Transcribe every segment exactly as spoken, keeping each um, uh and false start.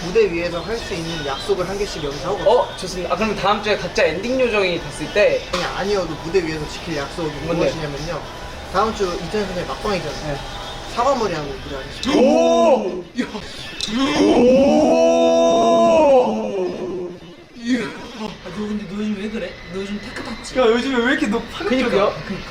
무대 위에서 할 수 있는 약속을 한 개씩 여기서 하고. 어 좋습니다. 아 그럼 다음 주에 각자 엔딩 요정이 됐을 때 아니 아니어도 무대 위에서 지킬 약속이 뭔데? 무엇이냐면요. 다음 주 이태원 선생님 막방이잖아요. 네. 사과머리하고 무대 하시죠. 오! 야. 아, 너 근데 너 요즘 왜 그래? 너 요즘 테크 탔지? 야 요즘에 왜 이렇게 너 파격적이야?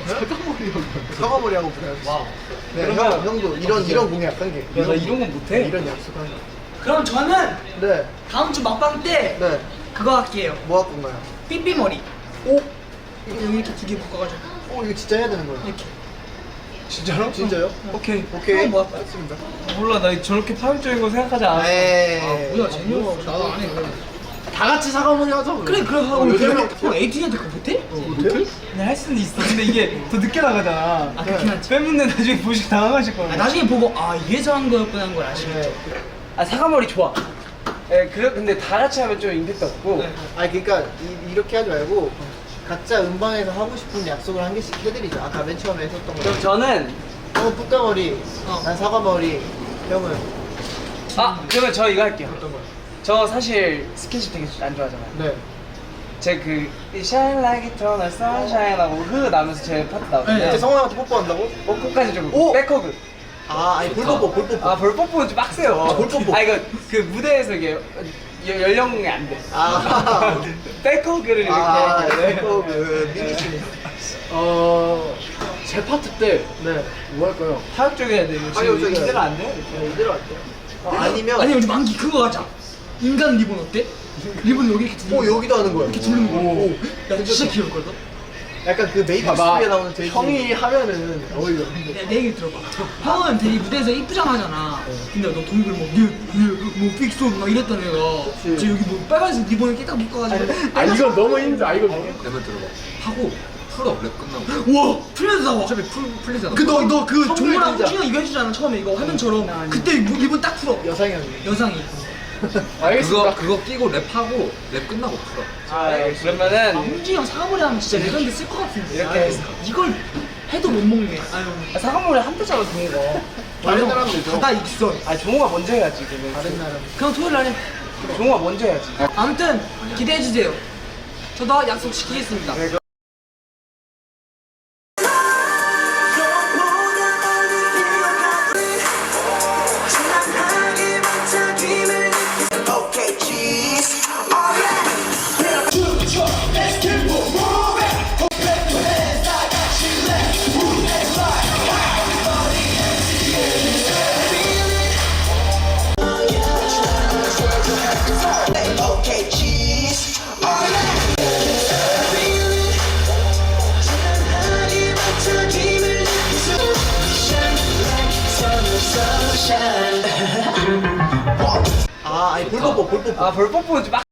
사과머리하고 무대 하시죠. 와우. 네, 그러면- 형, 형도 이런 이런 공약 한 개. 야 나 이런 건 못해. 이런 약속 한 개. 그럼 저는 네, 다음 주 막방 때 네. 그거 할게요. 뭐 할 건가요? 삐삐머리. 오, 여기 이렇게 두 개 묶어가지고 오 이거 진짜 해야 되는 거예요? 이렇게. 진짜로? 진짜요? 오케이. 오케이. 형 뭐 할까요? 했습니다. 몰라 나 저렇게 파격적인 거 생각하지 않았어. 에이. 아 뭐야 재미없어. 나도 안 해. 다 같이 사과머리 하자. 그래 그래 하고 어, 형 요즘에 형 에이티한테 그거 못해? 못해요? 근데 할 수는 있어. 근데 이게 더 늦게 나가잖아. 아 그렇긴 하지. 팬분들 나중에 보시고 당황하실 거야. 아, 나중에 보고 아 이래서 한 거였구나 한 걸 아시겠죠? 네. 아 사과머리 좋아. 예, 그래 근데 다 같이 하면 좀 임팩트 없고. 네. 아니 그러니까 이, 이렇게 하지 말고 각자 음방에서 하고 싶은 약속을 한 개씩 해드리죠. 아까 맨 처음에 했었던 거. 그럼 저는 형은 뿌까머리, 어. 난 사과머리, 형은 아 그러면 저 이거 할게요. 어떤 거요? 저 사실 스킨십 되게 안 좋아하잖아요. 네. 제그 Shine Like Eternal Sunshine 하고 흐 나면서 제 파트 나오는데 이제 성원한테 뽀뽀한다고? 뽀뽀까지 좀 오! 백허그. 아, 아니 볼뽀뽀, 볼뽀뽀. 아 볼뽀뽀는 좀 빡세요. 아, 볼뽀뽀. 아 이거 그 무대에서 이게 여- 연령이 안 돼. 아, 백허그를 이렇게 아, 할게요. 네, 그 미니스님. 어... 제 파트 때 네. 뭐 할까요? 파격적이어야 돼요. 지금 파격적이어야 이대로 돼. 안 돼요? 네, 이대로 할게요. 어, 아니면, 아니 우리 만기 그거 하자. 인간 리본 어때? 리본 여기 이렇게 두르는 오 여기도 하는 거야. 이렇게 두르는 거. 오, 야 진짜 귀엽거든? 약간 그 메이크업 봐봐. 스에 나오는 돼지. 형이 하면은 어울려. 내, 내 얘기 들어봐. 형은 되게 무대에서 이쁘장 하잖아. 근데 너 동굴 뭐, 뭐, 픽손 막 이랬던 애가. 그치. 저 여기 뭐 빨간색 리본을 깨딱 묶어가지고. 아 이거 너무 힘들어. 아 이거. 내면 들어봐. 하고 풀어 랩 끝나고. 와! 풀면서 나와. 어차피 풀 풀리잖아. 그 너 너 그 성글 종무랑 진짜. 호준이 이거 해주잖아 처음에 이거 화면처럼. 그때 뭐 리본 딱 풀어. 여상형이. 여상이. 그거 그거 끼고 랩하고 랩 끝나고 풀어. 아 네, 아, 그러면은 홍진이 형 사과머리 하면 진짜 레전드 쓸 것 같은데. 이렇게 해서. 이걸 해도 못 먹네. 아유. 아, 사과머리 한 대짜로 종거 다른 사람들도. 바다 익선. 아 종호가 먼저 해야지. 그러면. 다른 나라. 그냥 토요일 날에. 종호가 먼저 해야지. 아무튼 기대해 주세요. 저도 약속 지키겠습니다. 아, 아니 볼뽀뽀, 볼뽀뽀. 아 볼뽀뽀는 좀 빡.